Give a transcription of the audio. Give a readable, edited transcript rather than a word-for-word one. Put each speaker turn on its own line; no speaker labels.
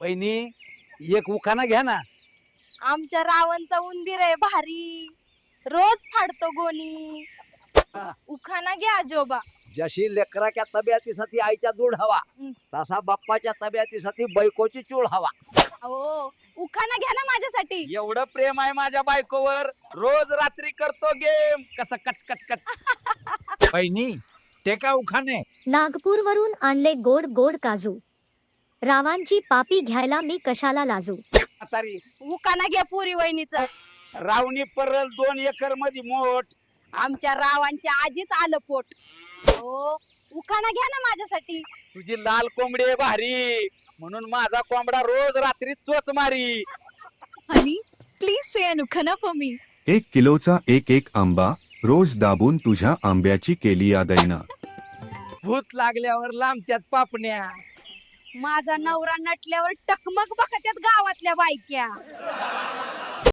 वहिनी एक उखाणा घ्या ना.
आमच्या रावणचा उंदीर आहे भारी, रोज फाडतो गोणी. उखाणा घ्या आजोबा.
जशी लेकराच्या तब्येतीसाठी आईच्या दूध हवा, तसा बाप्पाच्या तब्येतीसाठी बायकोची चूळ हवा.
हो, उखाणा घ्या ना माझ्यासाठी.
एवढं प्रेम आहे माझ्या बायकोवर, रोज रात्री करतो गेम कसं कच कच कच. बहिणी टेका उखाणे.
नागपूरवरून आणले गोड गोड काजू, रावांची पापी घ्यायला मी कशाला लाजू.
म्हातारी
उखाणा घ्या पुरी वहिनीचं.
रावणी परल 2 एकर मध्ये मोठ.
आमच्या रावांच्या आजीच आलं पोट. हो, उखाणा घ्या ना माझ्यासाठी.
तुझी लाल कोंबडी आहे भारी, म्हणून माझा कोंबडा रोज रात्री चोच मारी.
Honey please say an उखाणा for me.
1 किलोचा एक आंबा, रोज दाबून तुझ्या आंब्याची केली यादैना.
भूत लागल्यावर लांबत्यात पापण्या.
माझा नवरा नटल्यावर टकमक बघत्यात गावातल्या बायक्या.